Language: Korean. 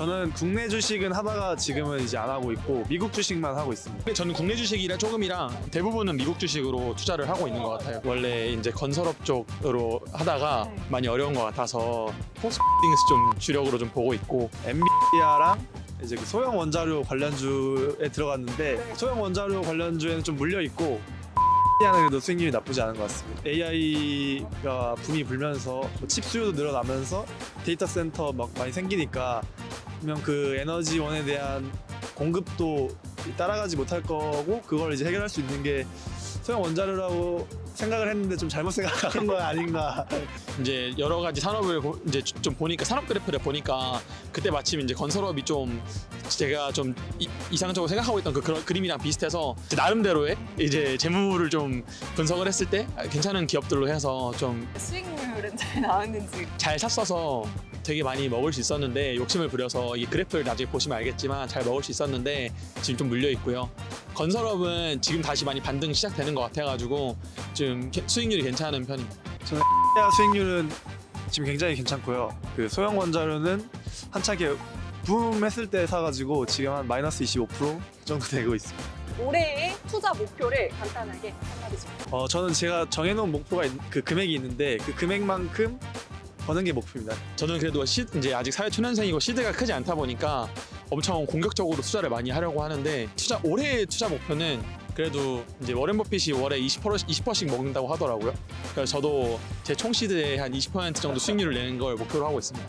저는 국내 주식은 하다가 지금은 이제 안 하고 있고 미국 주식만 하고 있습니다. 근데 저는 국내 주식이랑 조금이랑 대부분은 미국 주식으로 투자를 하고 있는 것 같아요. 원래 이제 건설업 쪽으로 하다가 네. 많이 어려운 것 같아서 포스팅스 좀 주력으로 좀 보고 있고. 엔비디아랑 이제 그 소형 원자료 관련주에 들어갔는데 네. 소형 원자료 관련주에는 좀 물려 있고 엔비디아는 그래도 수익률이 나쁘지 않은 것 같습니다. AI가 붐이 불면서 칩 수요도 늘어나면서 데이터 센터 막 많이 생기니까 분명 그 에너지원에 대한 공급도 따라가지 못할 거고 그걸 이제 해결할 수 있는 게 소형 원자료라고 생각을 했는데 좀 잘못 생각한 거 아닌가. 이제 여러 가지 산업을 이제 좀 보니까 산업 그래프를 보니까 그때 마침 이제 건설업이 좀 제가 좀 이상적으로 생각하고 있던 그런 그림이랑 비슷해서 이제 나름대로의 이제 재무를 좀 분석을 했을 때 괜찮은 기업들로 해서 좀 수익률은 잘 나왔는지. 잘 샀어서 되게 많이 먹을 수 있었는데 욕심을 부려서 이 그래프를 나중에 보시면 알겠지만 잘 먹을 수 있었는데 지금 좀 물려 있고요. 건설업은 지금 다시 많이 반등 시작되는 것 같아가지고 좀 수익률이 괜찮은 편입니다. 엔비디아 수익률은 지금 굉장히 괜찮고요. 그 소형 원자료는 한창에 붐했을 때 사가지고 지금 한 마이너스 25% 정도 되고 있습니다. 올해의 투자 목표를 간단하게 한마디씩. 저는 제가 정해놓은 목표가 그 금액이 있는데 그 금액만큼 버는 게 목표입니다. 저는 그래도 이제 아직 사회 초년생이고 시드가 크지 않다 보니까 엄청 공격적으로 투자를 많이 하려고 하는데 올해의 투자 목표는 그래도 이제 워렌 버핏이 월에 20%씩 먹는다고 하더라고요. 그래서 저도 제 총 시드의 한 20% 정도 수익률을 내는 걸 목표로 하고 있습니다.